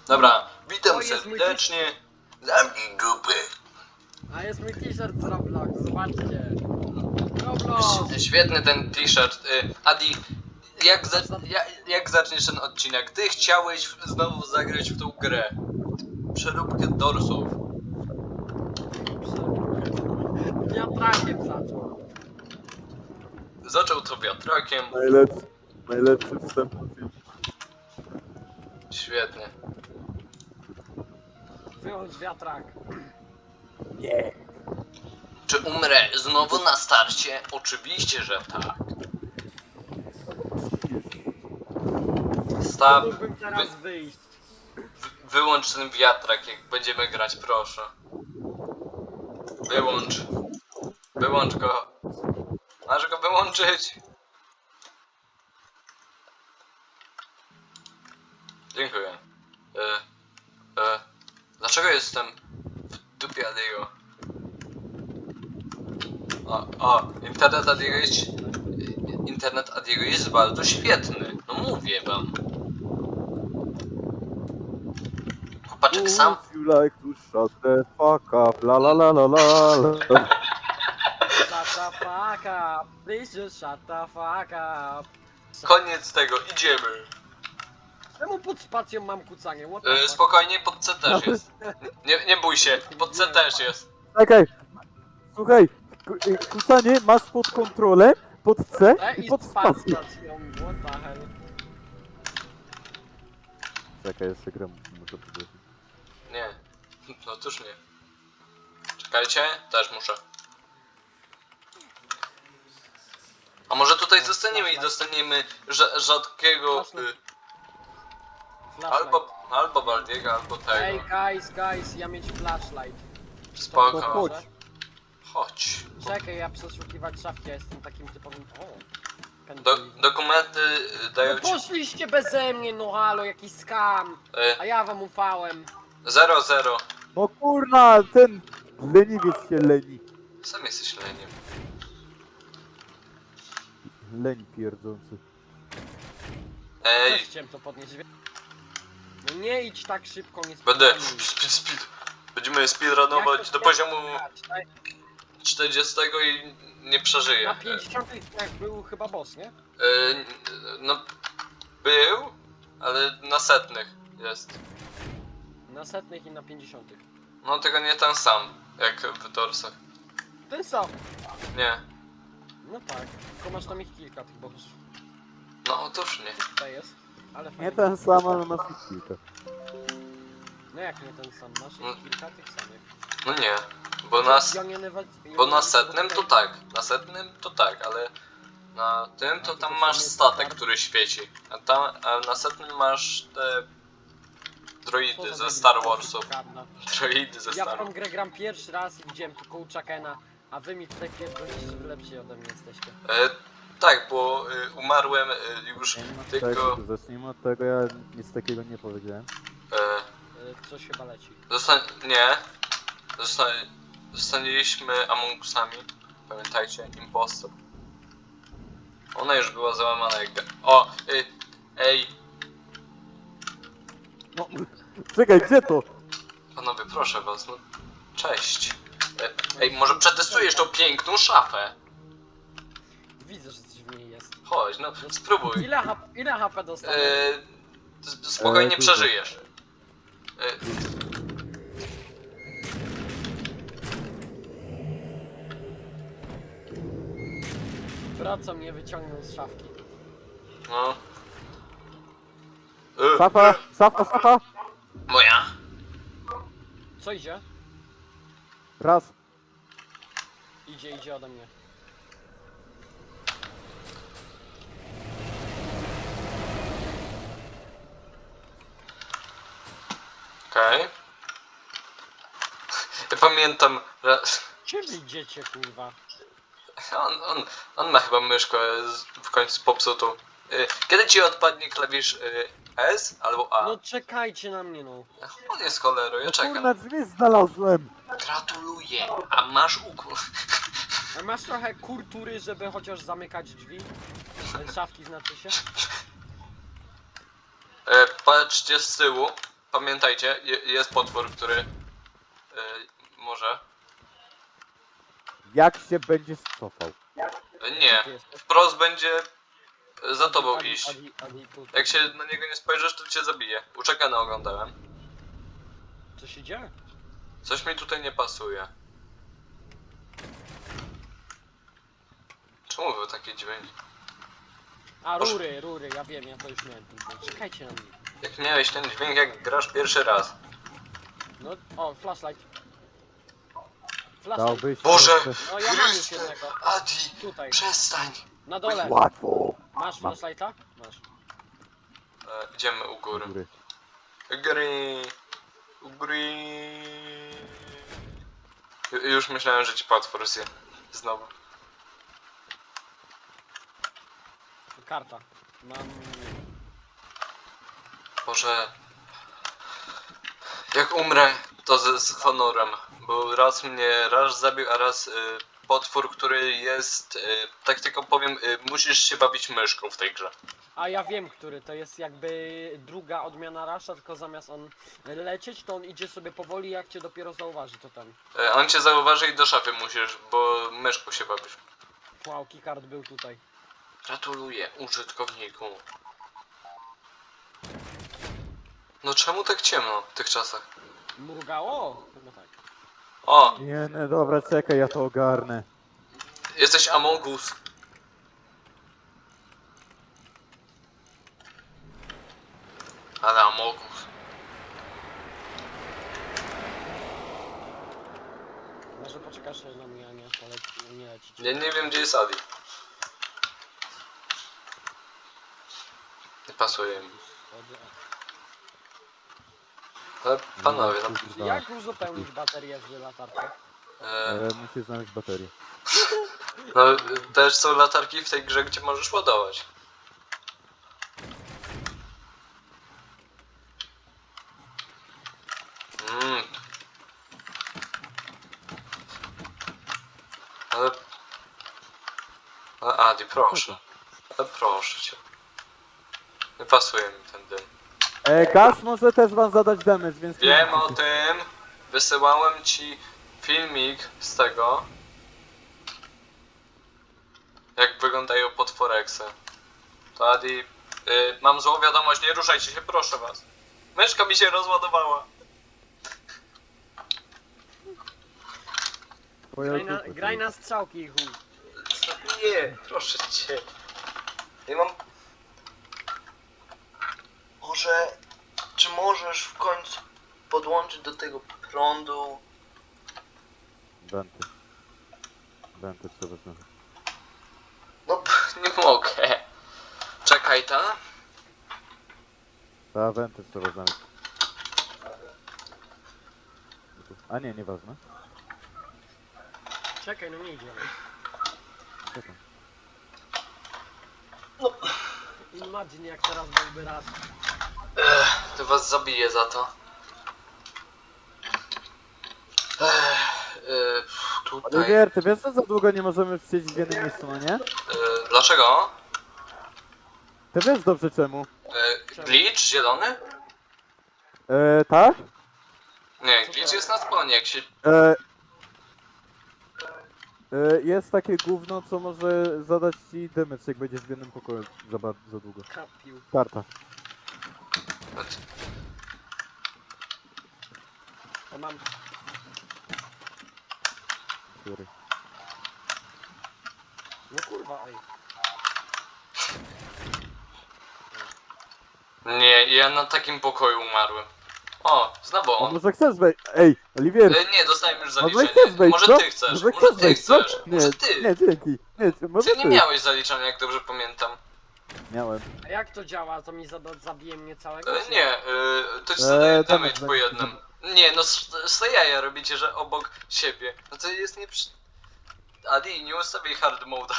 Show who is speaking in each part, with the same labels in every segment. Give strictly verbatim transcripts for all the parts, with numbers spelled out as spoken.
Speaker 1: Dobra, witam
Speaker 2: O, jest mój
Speaker 1: serdecznie. Zamknij dupę.
Speaker 2: A jest mój t-shirt z Roblox, zobaczcie. Roblox!
Speaker 1: Świetny ten t-shirt. Y, Adi, jak, za, jak, jak zaczniesz ten odcinek? Ty chciałeś znowu zagrać w tą grę. Przeróbkę dorsów.
Speaker 2: Wiatrakiem zaczął.
Speaker 1: Zaczął to wiatrakiem.
Speaker 3: Najlepszy, najlepszy wstęp do filmu.
Speaker 1: Świetnie.
Speaker 2: Wyłącz wiatrak.
Speaker 3: Nie.
Speaker 1: Czy umrę znowu na starcie? Oczywiście, że tak. Stop.
Speaker 2: Mógłbym teraz wyjść.
Speaker 1: Wyłącz ten wiatrak, jak będziemy grać, proszę. Wyłącz. Wyłącz go. Masz go wyłączyć. Dziękuję. E, e, dlaczego jestem w dupie Adiego? O, o, internet Adiego jest... Internet Adiego jest bardzo świetny. No mówię wam. Chłopaczek sam...
Speaker 3: Would you like to shut the fuck up? La la la la la la.
Speaker 2: Shut the fuck up. Please just shut the fuck up.
Speaker 1: Koniec tego, idziemy.
Speaker 2: Czemu pod spacją mam kucanie? What the
Speaker 1: E,
Speaker 2: fuck?
Speaker 1: spokojnie, pod C też jest. Nie, nie bój się, pod C też jest.
Speaker 3: Czekaj. Słuchaj, ku- y, kucanie masz pod kontrolę, pod C
Speaker 2: E,
Speaker 3: i
Speaker 2: i
Speaker 3: pod
Speaker 2: pod
Speaker 3: spację.
Speaker 2: spacją. What the hell?
Speaker 3: Czekaj, jeszcze gram, muszę powiedzieć.
Speaker 1: Nie, no cóż nie. Czekajcie, też muszę. A może tutaj zostaniemy i dostaniemy rza- rzadkiego... Y,
Speaker 2: Flashlight.
Speaker 1: albo, albo Baldiego, albo
Speaker 2: Ej,
Speaker 1: tego.
Speaker 2: guys, guys, ja mieć flashlight.
Speaker 1: Spoko.
Speaker 3: chodź.
Speaker 1: Chodź.
Speaker 2: Czekaj, ja przeszukiwać szafki, ja jestem takim typowym... O!
Speaker 1: Do,
Speaker 2: Pendrive.
Speaker 1: dokumenty y, dają
Speaker 2: No
Speaker 1: ci...
Speaker 2: poszliście beze mnie, no halo, jakiś skam! A
Speaker 1: Y,
Speaker 2: ja wam ufałem.
Speaker 1: zero zero.
Speaker 3: No kurna, ten leniwiec się leni.
Speaker 1: Sam jesteś leniem.
Speaker 3: Leń pierdzący.
Speaker 1: Ej,
Speaker 2: Też chciałem to podnieść. wie- No nie idź tak szybko, nie
Speaker 1: będę...
Speaker 2: speedrunuj.
Speaker 1: Speed, speed. Będziemy
Speaker 2: Jak
Speaker 1: speedrunować
Speaker 2: to
Speaker 1: do
Speaker 2: się
Speaker 1: poziomu
Speaker 2: grać? Na-
Speaker 1: czterdziestego i nie przeżyję.
Speaker 2: Na pięćdziesiątych jak był chyba boss, nie?
Speaker 1: Y, no... Był, ale na setnych jest.
Speaker 2: Na setnych i na pięćdziesiątych.
Speaker 1: No tylko nie ten sam, jak w Dorsach.
Speaker 2: Ten sam.
Speaker 1: Nie.
Speaker 2: No tak, tylko masz tam ich kilka tych bossów.
Speaker 1: No otóż nie.
Speaker 2: Tutaj jest. Ale
Speaker 3: Nie
Speaker 2: fajnie.
Speaker 3: ten sam, ale masz ich kilka.
Speaker 2: No jak nie ten sam, masz
Speaker 1: No.
Speaker 2: ich kilka tych samych.
Speaker 1: No nie. Bo na, s-
Speaker 2: Ja nie nawa- ja
Speaker 1: bo
Speaker 2: nie
Speaker 1: na setnym to
Speaker 2: nawa-
Speaker 1: tak. Na setnym to tak, ale na tym to tam masz statek, który świeci. A, tam, a na setnym masz te
Speaker 2: Co
Speaker 1: droidy
Speaker 2: za
Speaker 1: ze
Speaker 2: debil,
Speaker 1: Star
Speaker 2: to
Speaker 1: Warsów.
Speaker 2: prawda.
Speaker 1: Droidy ze
Speaker 2: Ja
Speaker 1: Star
Speaker 2: w tą
Speaker 1: Wars.
Speaker 2: grę gram pierwszy raz i widziałem tu Kołczakena, a wy mi tutaj pierdolicie, że wy lepsi ode mnie jesteście.
Speaker 1: E, tak, bo y, umarłem y, już
Speaker 3: Zacznijmy od
Speaker 1: tylko...
Speaker 3: tego, zacznijmy od tego, ja nic takiego nie powiedziałem.
Speaker 1: E,
Speaker 2: Y, Coś chyba leci.
Speaker 1: Zosta nie. Zosta zostaliśmy Among Usami. Pamiętajcie, impostor. Ona już była załamana jak... ga- O! Ej! Ej!
Speaker 3: No, czekaj, gdzie to?
Speaker 1: Panowie, proszę was, no... Cześć! E, ej, może przetestujesz tą piękną szafę?
Speaker 2: Widzę, że coś w niej jest.
Speaker 1: Chodź, no spróbuj.
Speaker 2: Ile, H ile H P dostanę?
Speaker 1: E, s- spokojnie
Speaker 3: E, dużo.
Speaker 1: przeżyjesz. E,
Speaker 2: Braco mnie wyciągnął z szafki.
Speaker 1: no... E,
Speaker 3: Safa, safa, safa!
Speaker 1: Moja?
Speaker 2: Co idzie?
Speaker 3: Raz.
Speaker 2: Idzie, idzie ode mnie.
Speaker 1: Okej. Okay. Ja pamiętam, że...
Speaker 2: Gdzie wy idziecie, kurwa?
Speaker 1: On, on, on ma chyba myszkę z- w końcu popsutą. Y, Kiedy ci odpadnie klawisz y, S albo A?
Speaker 2: No czekajcie na mnie, no.
Speaker 1: On jest cholerą, ja
Speaker 3: No
Speaker 1: czekam.
Speaker 3: kurna, drzwi znalazłem!
Speaker 1: Gratuluję, a masz ukłon.
Speaker 2: A masz trochę kultury, żeby chociaż zamykać drzwi? E, Szafki znaczy się?
Speaker 1: E, patrzcie z tyłu. pamiętajcie, je, jest potwór, który y, może...
Speaker 3: Jak się będziesz cofał?
Speaker 1: Y,
Speaker 2: Gdzie
Speaker 1: nie,
Speaker 2: ty jesteś?
Speaker 1: wprost będzie y, za tobą
Speaker 2: Adi,
Speaker 1: iść.
Speaker 2: Adi, Adi, tutaj.
Speaker 1: Jak się na niego nie spojrzysz, to cię zabije. Uczekane oglądałem.
Speaker 2: Co się dzieje?
Speaker 1: Coś mi tutaj nie pasuje. Czemu był taki dźwięk?
Speaker 2: A,
Speaker 1: Boże.
Speaker 2: rury, rury, ja wiem, ja to już miałem. ten dźwięk. Czekajcie na mnie.
Speaker 1: Jak miałeś ten dźwięk, jak grasz pierwszy raz.
Speaker 2: No, o, flashlight. Flashlight.
Speaker 3: Dałbyś
Speaker 1: Boże!
Speaker 3: trochę-
Speaker 2: No, ja mam już jednego.
Speaker 1: Adi,
Speaker 2: Tutaj,
Speaker 1: przestań!
Speaker 2: na dole.
Speaker 3: Łatwo!
Speaker 2: Masz
Speaker 3: Mam.
Speaker 2: flashlighta? Masz.
Speaker 1: E, idziemy u góry.
Speaker 3: Góry.
Speaker 1: Góry. U góry. Ju- Już myślałem, że ci potwór zje. Znowu.
Speaker 2: Karta. Mam...
Speaker 1: Boże. Jak umrę, to z, z honorem. Bo raz mnie raz zabił, a raz y, potwór, który jest... Y, tak tylko powiem, y, musisz się bawić myszką w tej grze.
Speaker 2: A ja wiem, który to jest jakby druga odmiana Rasha, tylko zamiast on lecieć, to on idzie sobie powoli, jak cię dopiero zauważy, to ten.
Speaker 1: Y, on cię zauważy i do szafy musisz, bo myszką się bawisz.
Speaker 2: Wow, keycard był tutaj.
Speaker 1: Gratuluję użytkowniku. No czemu tak ciemno w tych czasach?
Speaker 2: Mrugało? Chyba tak.
Speaker 1: O!
Speaker 3: Nie, nie, dobra, czekaj, ja to ogarnę.
Speaker 1: Jesteś Among Us. Ale Among Us.
Speaker 2: Może poczekasz na mnie, a nie, poleci, nie lecić.
Speaker 1: Ja nie wiem, gdzie jest Adi. Nie pasuje mi. Ale panowie, no...
Speaker 3: Kurwa.
Speaker 2: Jak uzupełnić baterię w latarce?
Speaker 1: E,
Speaker 3: E, muszę znaleźć baterię.
Speaker 1: no też są latarki w tej grze, gdzie możesz ładować. Mm. Ale... Ale Adi, proszę. Ale proszę cię. Nie pasuje mi ten dym.
Speaker 3: E, gaz może też wam zadać damage, więc... nie
Speaker 1: Wiem
Speaker 3: musicie
Speaker 1: o
Speaker 3: się-
Speaker 1: tym. Wysyłałem ci filmik z tego. Jak wyglądają potworeksy. To Adi... Y, mam złą wiadomość, nie ruszajcie się, proszę was. Myszka mi się rozładowała.
Speaker 3: Twoja
Speaker 2: Graj na,
Speaker 3: dupę,
Speaker 2: graj
Speaker 3: kurwa.
Speaker 2: na strzałki, chuj.
Speaker 1: Nie, proszę cię. Nie mam... Może... Czy możesz w końcu podłączyć do tego prądu?
Speaker 3: Wenty. Wenty trzeba znaleźć.
Speaker 1: No, nie mogę. Czekaj, ta?
Speaker 3: Ta, wenty trzeba znaleźć. A nie, nieważne.
Speaker 2: Czekaj, no nie idzie.
Speaker 3: Czekam.
Speaker 2: Imagine jak teraz byłby raz.
Speaker 1: Ech, to was zabiję za to. Ech, y, tutaj.
Speaker 3: Oliwier, ty wiesz, że za długo nie możemy siedzieć w jednym miejscu, no nie?
Speaker 1: Y, dlaczego?
Speaker 3: Ty wiesz dobrze czemu.
Speaker 1: Y, glitch zielony?
Speaker 3: E, tak?
Speaker 1: Nie,
Speaker 2: Co
Speaker 1: glitch
Speaker 2: to?
Speaker 1: jest na spawnie, jak się...
Speaker 3: E, e, jest takie gówno, co może zadać ci damage, jak będziesz w jednym pokoju za, ba- za długo.
Speaker 2: Kapił.
Speaker 3: Karta.
Speaker 2: To mam.
Speaker 3: Sorry.
Speaker 2: No kurwa, ej.
Speaker 1: Nie, ja na takim pokoju umarłem. O, znowu
Speaker 3: A
Speaker 1: on.
Speaker 3: może chcesz wejść? Ej, Oliwier!
Speaker 1: Y, nie, dostałem już
Speaker 3: Może
Speaker 1: zaliczenie.
Speaker 3: chcesz wejść,
Speaker 1: Może
Speaker 3: co?
Speaker 1: ty chcesz,
Speaker 3: Może
Speaker 1: może
Speaker 3: chcesz
Speaker 1: ty
Speaker 3: wejść, co?
Speaker 1: chcesz,
Speaker 3: Nie,
Speaker 1: może ty.
Speaker 3: nie, dzięki. Nie, może
Speaker 1: Ty nie
Speaker 3: ty.
Speaker 1: miałeś zaliczenia, jak dobrze pamiętam.
Speaker 3: Miałem.
Speaker 2: A jak to działa? To mi zada, zabije mnie całego?
Speaker 1: E,
Speaker 2: czy
Speaker 1: nie, e, to ci
Speaker 3: Eee,
Speaker 1: zadaje
Speaker 3: damage
Speaker 1: damage po
Speaker 3: będzie.
Speaker 1: jednym. Nie, no z jaja robicie, że obok siebie. No to jest nie przy... Adi, nie ustawiaj hard mode.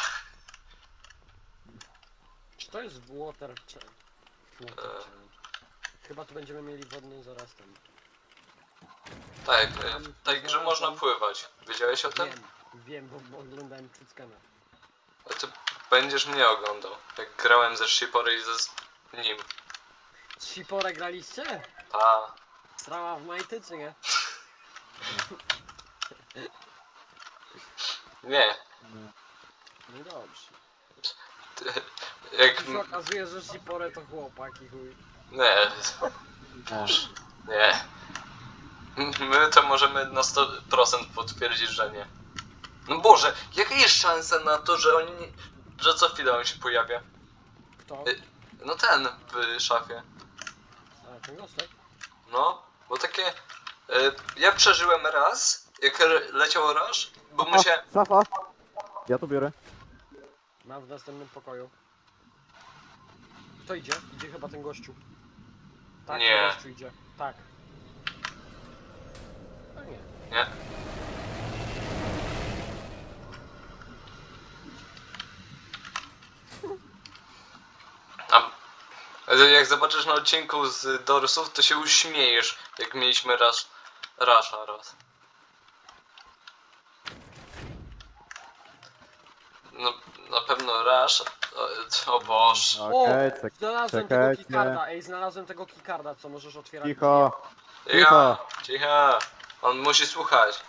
Speaker 2: Czy to jest water czy... water
Speaker 1: Eee.
Speaker 2: challenge? Chyba tu będziemy mieli wodny zaraz ten.
Speaker 1: Tak, e, w tej grze można pływać. Wiedziałeś o tym?
Speaker 2: Wiem, wiem, bo, bo oglądałem Cyckana.
Speaker 1: A ty będziesz mnie oglądał. Jak grałem ze Shipory i ze z nim.
Speaker 2: Z Shipore graliście?
Speaker 1: Ta.
Speaker 2: Strała w majty, czy nie?
Speaker 1: Nie.
Speaker 3: Nie.
Speaker 2: No dobrze.
Speaker 1: Jak...
Speaker 2: Tu się okazuje, że Shipore to chłopak i chuj.
Speaker 1: Nie.
Speaker 3: Nie.
Speaker 1: Nie. My to możemy na sto procent potwierdzić, że nie. No Boże, jaka jest szansa na to, że oni... nie- że co chwilę on się pojawia?
Speaker 2: Kto?
Speaker 1: Y- No ten w szafie.
Speaker 2: A, ten gostek?
Speaker 1: No, bo takie... Y, ja przeżyłem raz, jak re- leciał Rush, bo
Speaker 3: A,
Speaker 1: musiałem...
Speaker 3: szafa! Ja to biorę.
Speaker 2: Mam w następnym pokoju. Kto idzie? Idzie chyba ten gościu. Tak,
Speaker 1: Nie.
Speaker 2: ten gościu idzie. Tak. A nie.
Speaker 1: Nie. A ale jak zobaczysz na odcinku z Dorsów, to się uśmiejesz, jak mieliśmy raz Rasha raz. No, na pewno Rush. O, o Boże.
Speaker 3: Okej,
Speaker 2: O!
Speaker 3: czek
Speaker 2: Znalazłem tego
Speaker 3: czekajcie.
Speaker 2: keycarda, ej, znalazłem tego keycarda, co możesz otwierać.
Speaker 3: Cicho.
Speaker 1: Cicho, cicho. On musi słuchać.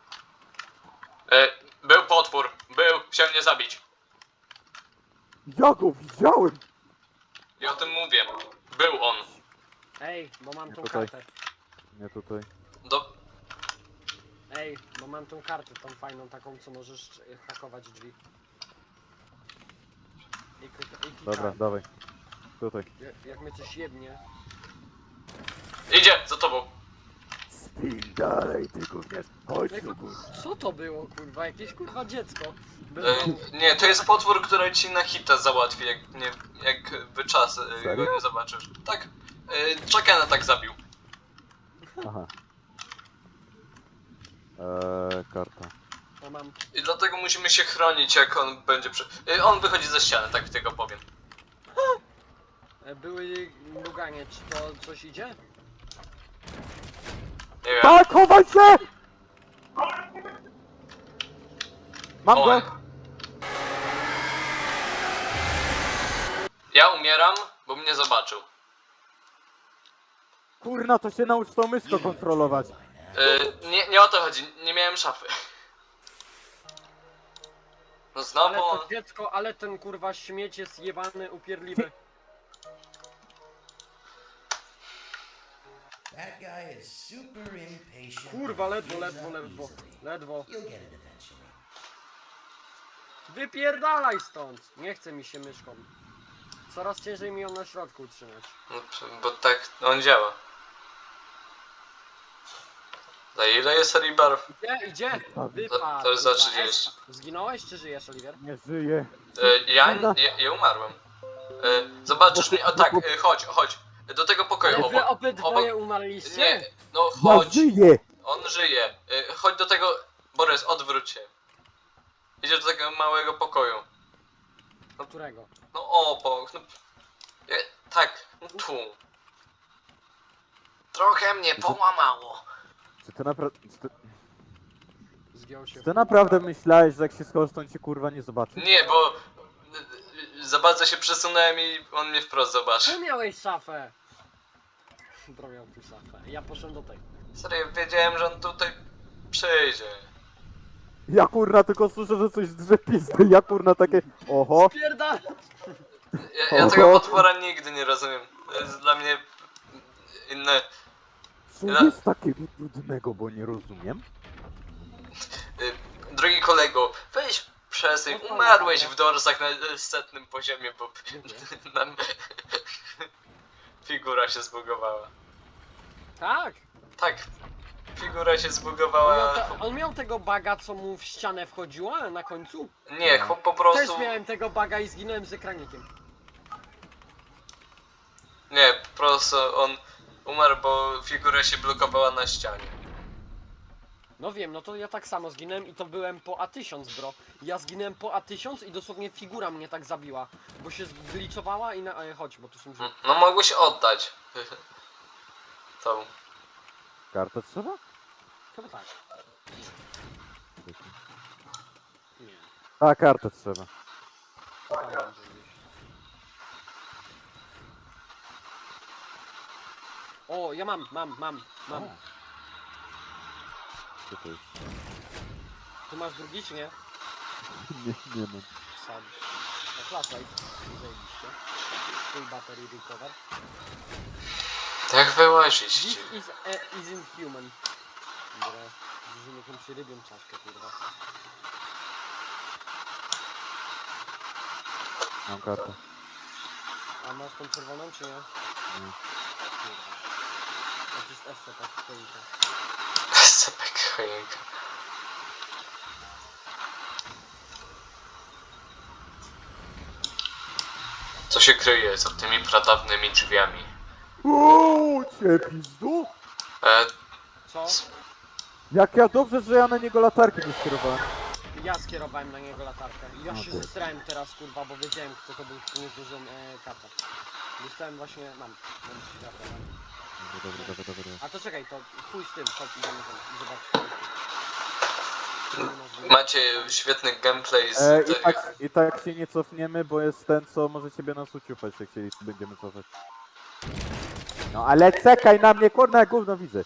Speaker 1: E, był potwór, był, chciał mnie zabić.
Speaker 3: Ja go widziałem!
Speaker 1: I o tym mówię. Był on.
Speaker 2: Ej, bo mam
Speaker 3: Nie
Speaker 2: tą
Speaker 3: tutaj.
Speaker 2: kartę.
Speaker 3: Nie tutaj.
Speaker 1: Do...
Speaker 2: Ej, bo mam tą kartę, tą fajną taką, co możesz e, hakować drzwi. I, i, i
Speaker 3: Dobra,
Speaker 2: keycard.
Speaker 3: dawaj. Tutaj.
Speaker 2: Jak, jak mnie coś jebnie.
Speaker 1: Idzie, za tobą.
Speaker 3: Spin dalej, ty gówniarz. Chodź
Speaker 2: Ej,
Speaker 3: tu, gówniarz.
Speaker 2: Co to było, kurwa? Jakieś kurwa dziecko. Bez
Speaker 1: E,
Speaker 2: domu.
Speaker 1: nie, to jest potwór, który ci na hita załatwi, jak, nie, jak wyczas e, go
Speaker 3: Serio?
Speaker 1: nie zobaczysz. Tak. E, Chuckena tak zabił.
Speaker 3: Aha. Eee, karta.
Speaker 2: To mam.
Speaker 1: I dlatego musimy się chronić, jak on będzie przy... E, on wychodzi ze ściany, tak tylko powiem.
Speaker 2: E, Były luganie, czy to coś idzie?
Speaker 1: Nie wiem.
Speaker 3: Tak, chowaj się! Mam
Speaker 1: O,
Speaker 3: go!
Speaker 1: ja umieram, bo mnie zobaczył.
Speaker 3: Kurna, to się naucz tą myszką kontrolować.
Speaker 1: E, nie, nie o to chodzi, nie miałem szafy. No
Speaker 2: Ale
Speaker 1: znowu on...
Speaker 2: to dziecko, ale ten kurwa śmieć jest jebany, upierdliwy.
Speaker 4: That guy is super impatient.
Speaker 2: Kurwa,
Speaker 4: and
Speaker 2: ledwo,
Speaker 4: gives
Speaker 2: ledwo,
Speaker 4: up
Speaker 2: ledwo.
Speaker 4: easily.
Speaker 2: Ledwo.
Speaker 4: You'll get it eventually.
Speaker 2: Wypierdalaj stąd! Nie chce mi się myszką. Coraz ciężej mi ją na środku utrzymać.
Speaker 1: No, bo tak on działa. Za ile jest Ribar?
Speaker 2: Idzie, idzie! Wypadł!
Speaker 1: To- to jest za
Speaker 2: kurwa.
Speaker 1: trzydzieści.
Speaker 2: Es- Zginąłeś czy żyjesz, Oliver?
Speaker 3: Nie żyje.
Speaker 1: E, ja,
Speaker 3: Dobra.
Speaker 1: ja, ja umarłem. E, zobaczysz mnie, o tak, e, chodź, chodź. Do tego pokoju
Speaker 2: Ale wy
Speaker 1: obok.
Speaker 2: obydwoje
Speaker 1: obok.
Speaker 2: umarliście?
Speaker 1: Nie, no
Speaker 3: Ja
Speaker 1: chodź.
Speaker 3: żyję!
Speaker 1: On żyje. E, chodź do tego... Borys, odwróć się. Idziesz do tego małego pokoju.
Speaker 2: Do którego?
Speaker 1: No obok, no... E, tak, no tu. Trochę mnie połamało.
Speaker 3: Czy ty naprawdę... Czy ty,
Speaker 2: Zgiął się.
Speaker 3: czy ty naprawdę myślałeś, że jak się schowasz, to on cię kurwa nie zobaczy?
Speaker 1: Nie, bo... e, Za bardzo się przesunąłem i on mnie wprost zobaczy.
Speaker 2: Ty miałeś szafę! Bro miał tu szafę. Ja poszedłem do tej.
Speaker 1: Serio, wiedziałem, że on tutaj przyjdzie.
Speaker 3: Ja kurna tylko słyszę, że coś drze pizdy. Ja kurna takie... Oho.
Speaker 2: Pierdal!
Speaker 1: Ja, ja
Speaker 3: Oho.
Speaker 1: tego potwora nigdy nie rozumiem. To jest dla mnie inne.
Speaker 3: Co
Speaker 1: Ja-
Speaker 3: jest takiego trudnego, bo nie rozumiem?
Speaker 1: Y, drogi kolego, weź przesyń. Umarłeś w dorsach na y, setnym poziomie, bo nam figura się zbugowała.
Speaker 2: Tak!
Speaker 1: Tak, figura się
Speaker 2: On miał,
Speaker 1: zbugowała.
Speaker 2: te, on miał tego baga, co mu w ścianę wchodziła na końcu?
Speaker 1: Nie, chłop po
Speaker 2: Też
Speaker 1: prostu.
Speaker 2: miałem tego baga i zginąłem z ekranikiem.
Speaker 1: Nie, po prostu on umarł, bo figura się blokowała na ścianie.
Speaker 2: No wiem, no to ja tak samo zginąłem i to byłem po A tysiąc, bro. Ja zginąłem po A tysiąc i dosłownie figura mnie tak zabiła. Bo się zgliczowała i na... E, chodź, bo tu są drzwi.
Speaker 1: No mogłeś oddać. Tą.
Speaker 3: Kartę trzeba?
Speaker 2: Chyba tak. Nie.
Speaker 3: A, kartę trzeba.
Speaker 2: To tam będzie gdzieś. O, ja mam, mam, mam, mam.
Speaker 3: O. Co to jest?
Speaker 2: Tu masz drugi, czy nie?
Speaker 3: Nie, nie mam.
Speaker 2: Sad. O, flashlight. Zajebiście. Full battery recover.
Speaker 1: Jak wyłazić?
Speaker 2: This is a, isn't human. Dobra. Zużyłem jakąś rybią czaszkę, kurwa.
Speaker 3: Mam kartę.
Speaker 2: A masz tą czerwoną, czy nie?
Speaker 3: Nie.
Speaker 2: Kurwa. To jest S C, tak, stoika.
Speaker 1: Sepek choinka. Co się kryje za tymi pradawnymi drzwiami?
Speaker 3: Uuu, cię pizdu?
Speaker 1: E,
Speaker 2: Co?
Speaker 3: Jak ja dobrze, że ja na niego latarki nie skierowałem.
Speaker 2: Ja skierowałem na niego latarkę. Ja
Speaker 3: No
Speaker 2: się
Speaker 3: ty.
Speaker 2: zesrałem teraz, kurwa, bo wiedziałem, kto to był, tylko nie zdążyłem e, kata. Dostałem właśnie, mam, mam światło, mam.
Speaker 3: Dobra, dobra, dobra, dobra.
Speaker 2: A to czekaj, to chuj z tym, chodź, idziemy tam i zobaczyć. co jest tu.
Speaker 1: macie świetny gameplay z
Speaker 3: E, i,
Speaker 1: tego.
Speaker 3: tak, I tak się nie cofniemy, bo jest ten, co może ciebie nas uciupać, jak się będziemy cofać. No ale czekaj na mnie, kurna, jak gówno widzę.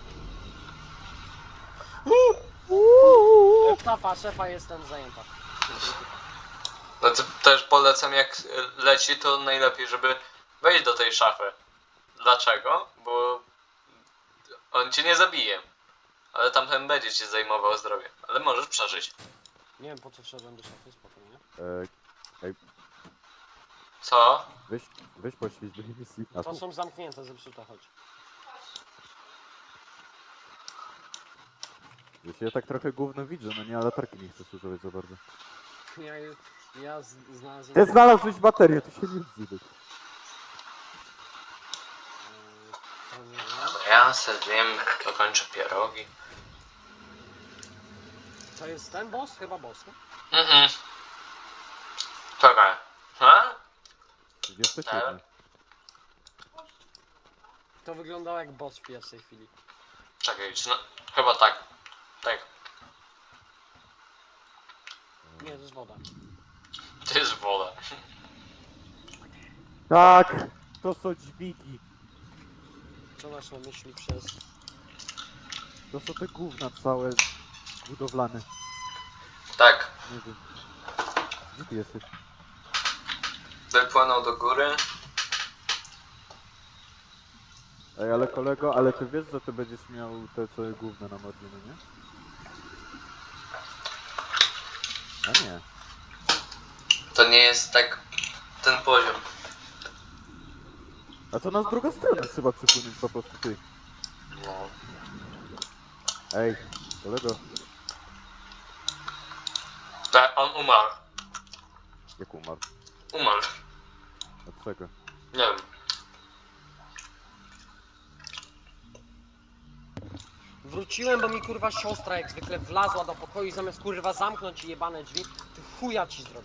Speaker 2: Szafa, szefa jestem zajęta.
Speaker 1: No to też polecam, jak e, leci, to najlepiej, żeby wejść do tej szafy. Dlaczego? Bo on cię nie zabije. Ale tamten będzie ci zajmował zdrowie. Ale możesz przeżyć.
Speaker 2: Nie wiem po co wszedłem do szafy, spokojnie.
Speaker 3: E,
Speaker 1: Co?
Speaker 3: weź, weź poświeć do misji. A
Speaker 2: To
Speaker 3: tu.
Speaker 2: są zamknięte, zepsute, chodź.
Speaker 3: Ja się tak trochę gówno widzę, no nie, ale latarki nie chcę używać za bardzo.
Speaker 2: Ja, ja z, znalazłem...
Speaker 3: Ty znalazłeś baterię, to się nie odzywaj.
Speaker 2: Eee, to nie wiem.
Speaker 1: Ja se wiem, dokończę pierogi.
Speaker 2: To jest ten boss? Chyba boss, nie?
Speaker 1: Mhm. Czekaj. Ha?
Speaker 3: trzydzieści siedem.
Speaker 2: To wyglądało jak boss w pierwszej chwili.
Speaker 1: Czekaj, czy no, chyba tak. Tak.
Speaker 2: Nie, to jest woda.
Speaker 1: To jest woda.
Speaker 3: Tak, to są dźwigi.
Speaker 2: Co masz na myśli przez...
Speaker 3: To są te gówna całe budowlane.
Speaker 1: Tak.
Speaker 3: Nie wiem. Gdzie ty jesteś?
Speaker 1: Wypłynął do góry.
Speaker 3: Ej, ale kolego, ale ty wiesz, że ty będziesz miał te całe gówna na morzu, no nie? A nie.
Speaker 1: To nie jest tak ten poziom.
Speaker 3: A to nas druga strona trzeba przypłynąć po prostu ty.
Speaker 1: No.
Speaker 3: Ej, kolego,
Speaker 1: Tak, on umarł.
Speaker 3: jak umarł?
Speaker 1: Umarł.
Speaker 3: Od czego?
Speaker 1: Nie wiem.
Speaker 2: Wróciłem, bo mi kurwa siostra jak zwykle wlazła do pokoju i zamiast kurwa zamknąć jebane drzwi, to chuja ci zrobi.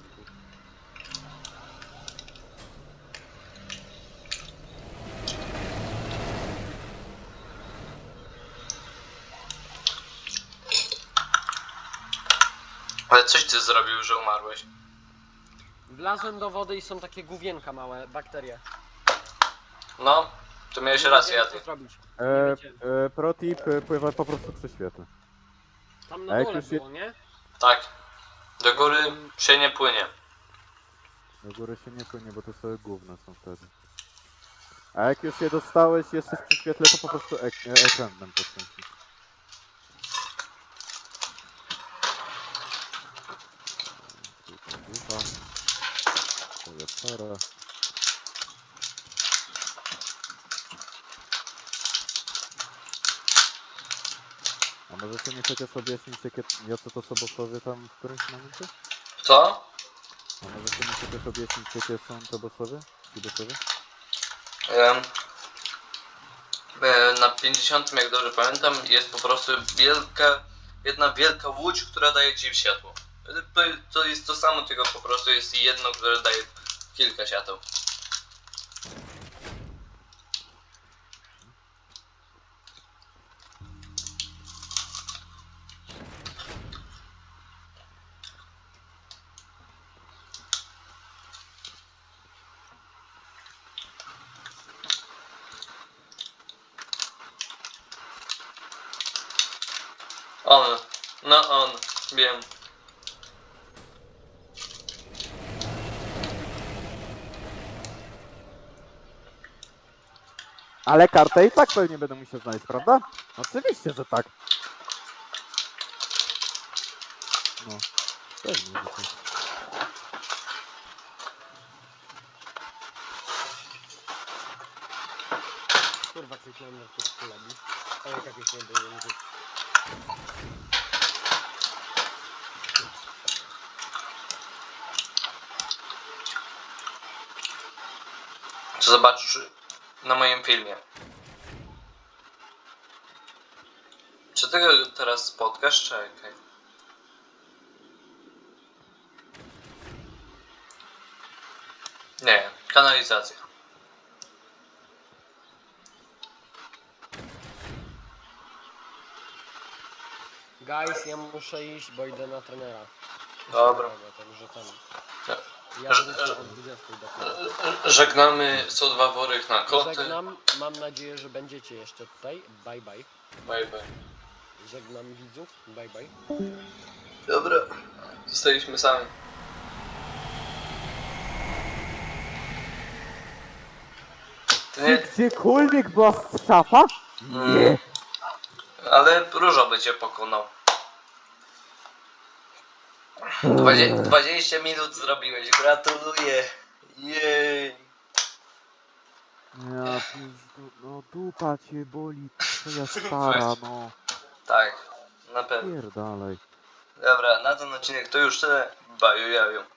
Speaker 1: Ale coś ty zrobił, że umarłeś.
Speaker 2: Wlazłem do wody i są takie główienka małe, bakterie.
Speaker 1: No, to miałeś
Speaker 2: Nie
Speaker 1: rację,
Speaker 2: wiedziałem,
Speaker 1: Jady.
Speaker 2: co zrobić.
Speaker 3: E,
Speaker 2: wiecie.
Speaker 3: e, protip, e, pływa po prostu przy świetle.
Speaker 2: Tam
Speaker 3: A
Speaker 2: na
Speaker 3: jak
Speaker 2: dole
Speaker 3: już je-
Speaker 2: było, nie?
Speaker 1: Tak. Do góry się nie płynie.
Speaker 3: Do góry się nie płynie, bo to sobie gówna są wtedy. A jak już je dostałeś, jesteś przy świetle, to po prostu ek e ekran nam podkręci. Ducha. To jest Sara. A możecie mi chociaż objaśnić, jakie, jacy to są bossowie tam w którymś momencie?
Speaker 1: Co?
Speaker 3: A możecie mi chociaż objaśnić, jakie są te bossowie? Ci bossowie?
Speaker 1: Em, e, na pięćdziesiątym, jak dobrze pamiętam, jest po prostu wielka, jedna wielka łódź, która daje ci światło. To, to jest to samo, tylko po prostu jest jedno, które daje kilka świateł. On. No on. Wiem.
Speaker 3: Ale kartę i tak pewnie będę musiał znaleźć, prawda? Oczywiście, że tak. No, pewnie, że tak.
Speaker 2: Kurwa, kliknąłem na turku lobby. Ale jak już nie było, nie
Speaker 1: Co zobaczysz na moim filmie. Czy ty go teraz spotkasz? Czekaj. Nie, kanalizacja.
Speaker 2: Guys, ja muszę iść, bo idę na trenera.
Speaker 1: Dobra.
Speaker 2: Także tam.
Speaker 1: Ja-
Speaker 2: Ja
Speaker 1: że-
Speaker 2: wrócę o dwudziestej dopiero.
Speaker 1: Żegnamy sto dwa worek na koty.
Speaker 2: Żegnam, mam nadzieję, że będziecie jeszcze tutaj. Bye bye.
Speaker 1: Bye bye.
Speaker 2: Żegnam widzów. Bye bye.
Speaker 1: Dobra. Zostaliśmy sami. Ty nie,
Speaker 3: Czy gdziekolwiek była szafa? Nie.
Speaker 1: ale Różo by cię pokonał. Dwadzie, dwadzieścia minut zrobiłeś, gratuluję. Jej.
Speaker 3: Ja pizdu, no dupa cię boli, twoja stara, no.
Speaker 1: Tak, na pewno.
Speaker 3: Pierdalej.
Speaker 1: Dobra, na ten odcinek to już tyle. Baju jaju.